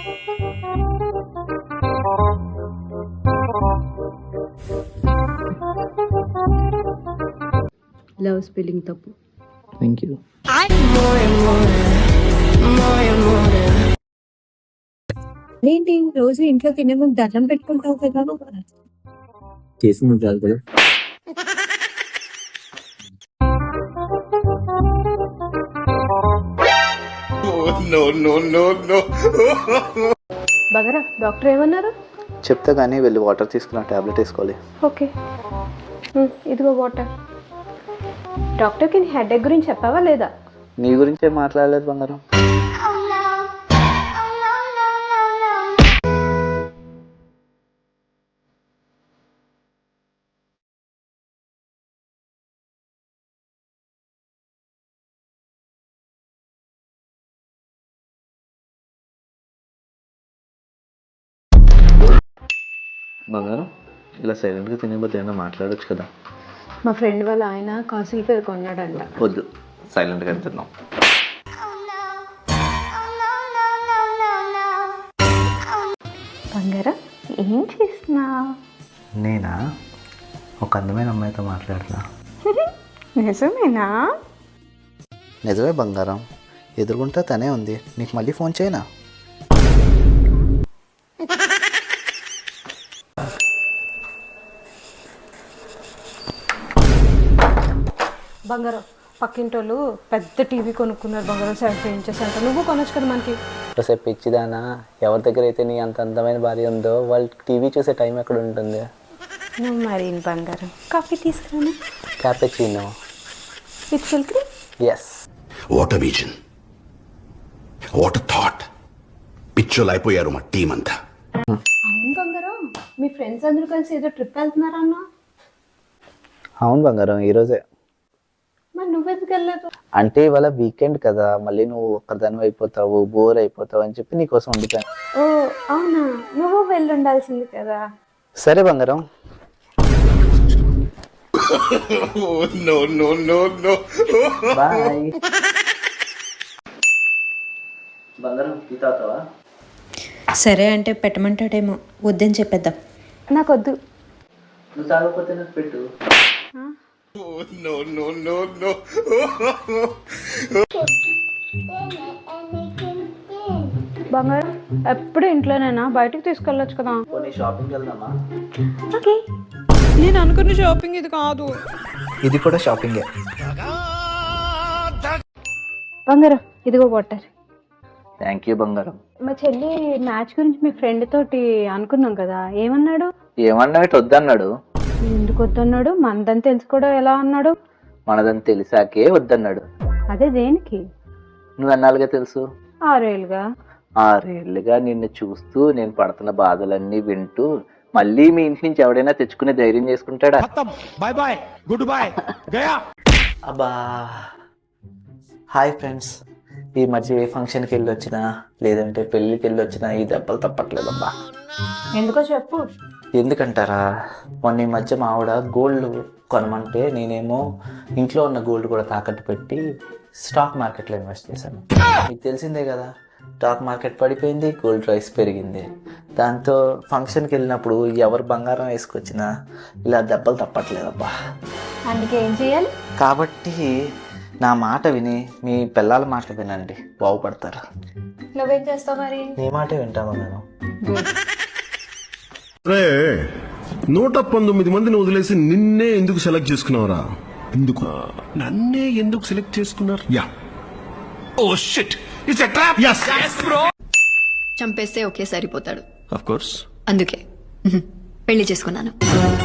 Love spelling తప్పు. Thank you. ఏంటి రోజు ఇంట్లో తినే ముందు దండం పెట్టుకుంటావు కదా? చేసింది కాదు కదా. బగరా డాక్టర్ ఏమన్నారు? చెప్తా కానీ వెళ్ళి వాటర్ తీసుకున్న టాబ్లెట్ వేసుకోవాలి. ఓకే ఇదిగో వాటర్. డాక్టర్కి నీ హెడేక్ గురించి చెప్పావా లేదా? నీ గురించే మాట్లాడలేదు బంగారం. బంగారం ఇలా సైలెంట్గా తినేబోతే ఏమైనా మాట్లాడొచ్చు కదా. మా ఫ్రెండ్ వాళ్ళ ఆయన కాసుల పేరు కొన్నాడంట. వద్దు, సైలెంట్గా తిన్నాం. బంగారం ఏం చేస్తున్నా? నేనా ఒక అందమైన అమ్మాయితో మాట్లాడుతున్నా. నిజమేనా? నిజమే బంగారం, ఎదురుగుంటా తనే ఉంది. నీకు మళ్ళీ ఫోన్ చేయనా? బంగారం పక్కింటోళ్ళు పెద్ద టీవీ కొనుక్కున్నారు బంగారం. 70 ఇంచెస్ అంట. నువ్వు కొనొచ్చు కదా మనకి. కాసేపు పిచ్చిదానా, ఎవరి దగ్గర అయితే నీ అంత అందమైన భార్య ఉందో వాళ్ళు టీవీ చూసే టైం ఎక్కడ ఉంటుంది? నువ్వు మరి బంగారం కాఫీ తీసుకురాను. Cappuccino with silk cream. Yes. What a vision, what a thought. పిచ్చోలు అయిపోయారు మా టీం అంతా. అవును బంగారం, మీ ఫ్రెండ్స్ అందరూ కలిసి ఏదో ట్రిప్ వెళ్తున్నారా అన్న? అవును బంగారం, ఈరోజే. మరి నువ్వెందుకు వెళ్ళలేదు? అంటే ఇవాళ వీకెండ్ కదా, మళ్ళీ నువ్వు ఒక్కదాని అయిపోతావు, బోర్ అయిపోతావు అని చెప్పి నీకోసం వండుతాను. ఓ అవునా, నువ్వు వెళ్ళి ఉండాల్సింది కదా. సరే బంగారం. బాయ్. బంగారం టీ తాగుతావా? సరే అంటే పెట్టమంటాడేమో, వద్దని చెప్పేద్దాం. నాకొద్దు. నువ్వు తాగకపోతే నాకు పెట్టు. బంగారం ఎప్పుడు ఇంట్లోనేనా? బయటకు తీసుకెళ్ళొచ్చు కదా. కొన్ని షాపింగ్ వెళ్దామా? ఓకే. నేను అనుకున్న షాపింగ్ ఇది కాదు. ఇది కూడా షాపింగే. బంగారం ఇదిగో వాటర్. థ్యాంక్ యూ బంగారం. మా చెల్లి మ్యాచ్ గురించి మీ ఫ్రెండ్ తోటి అనుకున్నాం కదా, ఏమన్నాడు? ఏమన్నా వద్దన్నాడు. ఎందుకు వద్దన్నాడు? మనదని తెలుసుకోవడం ఎలా అన్నాడు? మనదని తెలిసాకే వద్దన్నాడు. అదే దేనికి? నువ్వు అన్నాళ్ళుగా తెలుసు. 6 ఏళ్ళుగా. 6 ఏళ్ళుగా నిన్ను చూస్తూ నేను పడుతున్న బాధలన్నీ వింటూ మళ్ళీ మీ ఇంటి నుంచి ఎవడైనా తెచ్చుకునే ధైర్యం చేసుకుంటాడా? బాయ్ బాయ్, గుడ్ బాయ్, గయా. అబ్బా. హాయ్ ఫ్రెండ్స్, ఈ మధ్య ఏ ఫంక్షన్కి వెళ్ళి వచ్చినా లేదంటే పెళ్ళికి వెళ్ళి వచ్చినా ఈ దెబ్బలు తప్పట్లేదబ్బా. ఎందుకో చెప్పు. ఎందుకంటారా, మొన్న ఈ మధ్య మా ఆవిడ గోల్డ్ కొనమంటే నేనేమో ఇంట్లో ఉన్న గోల్డ్ కూడా తాకట్టు పెట్టి స్టాక్ మార్కెట్లో ఇన్వెస్ట్ చేశాను. మీకు తెలిసిందే కదా, స్టాక్ మార్కెట్ పడిపోయింది, గోల్డ్ ప్రైస్ పెరిగింది. దాంతో ఫంక్షన్కి వెళ్ళినప్పుడు ఎవరు బంగారం వేసుకొచ్చినా ఇలా దెబ్బలు తప్పట్లేదబ్బా. అందుకే ఏం చేయాలి? కాబట్టి నా మాట విని మీ పిల్లల మాట వినండి, బాగుపడతారు. నువ్వేం చేస్తావు మరి? నీ మాటే వింటాను నేను. 119 మందిని వదిలేసి నిన్నే ఎందుకు సెలెక్ట్ చేసుకున్నావురా? ఎందుకు నన్నే ఎందుకు సెలెక్ట్ చేసుకున్నారు? Yeah, oh shit, it's a trap. yes bro. చంపేస్తే ఒకే సరిపోతాడు. of course. అందుకే పెళ్లి చేసుకున్నాను.